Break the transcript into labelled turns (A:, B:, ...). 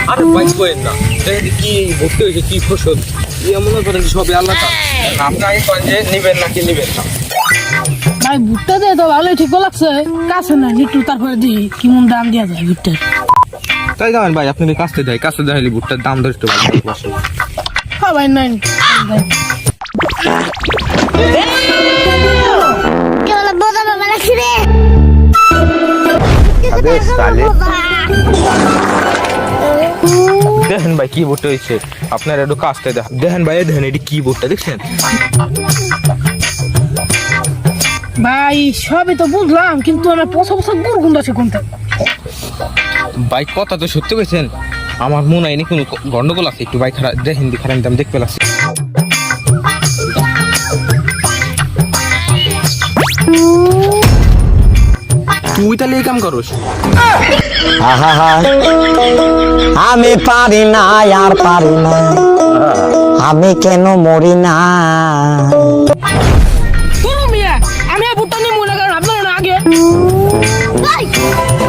A: আর ভাই কইেন না দেখেন কি ভর্তি হয়েছে কি ফসল মনে করেন সবই আল্লাহ আপনি আগে করেন যে নিবেন নাকি নিবেন না।
B: ভাই ভুট্টা দিয়ে তো ভালোই ঠিক লাগছে, কাছে না একটু তারপরে দিই কেমন দাম দেওয়া যায় ভুট্টার।
A: তাই জানেন ভাই আপনি কাছতে দেয় কাছতে দেখালি ভুট্টার দাম ধরে একটু ভালো বসে।
B: হ্যাঁ ভাই নাই
A: দেখেন ভাই কি ভুট্টা হয়েছে আপনার একটু কাছতে দেখেন ভাই দেখেন এটি কি ভুট্টা দেখছেন
B: ভাই, সবই তো বুঝলাম কিন্তু আমার পচা পচা গুড় গুন্ড আছে কোনটা।
A: ভাই কথা তো সত্যি কইছেন, আমার মনে হয়নি কোনো গন্ডগোল আছে একটু ভাই খারাপ দেখেন খারাপ দাম দেখতে লাগছে। তুই তাহলে এই কাম করস?
C: আমি পারি না আর পারি না, আমি কেন মরি না।
B: আমি ভুট্টা নিয়ে মনে করেন আপনার আগে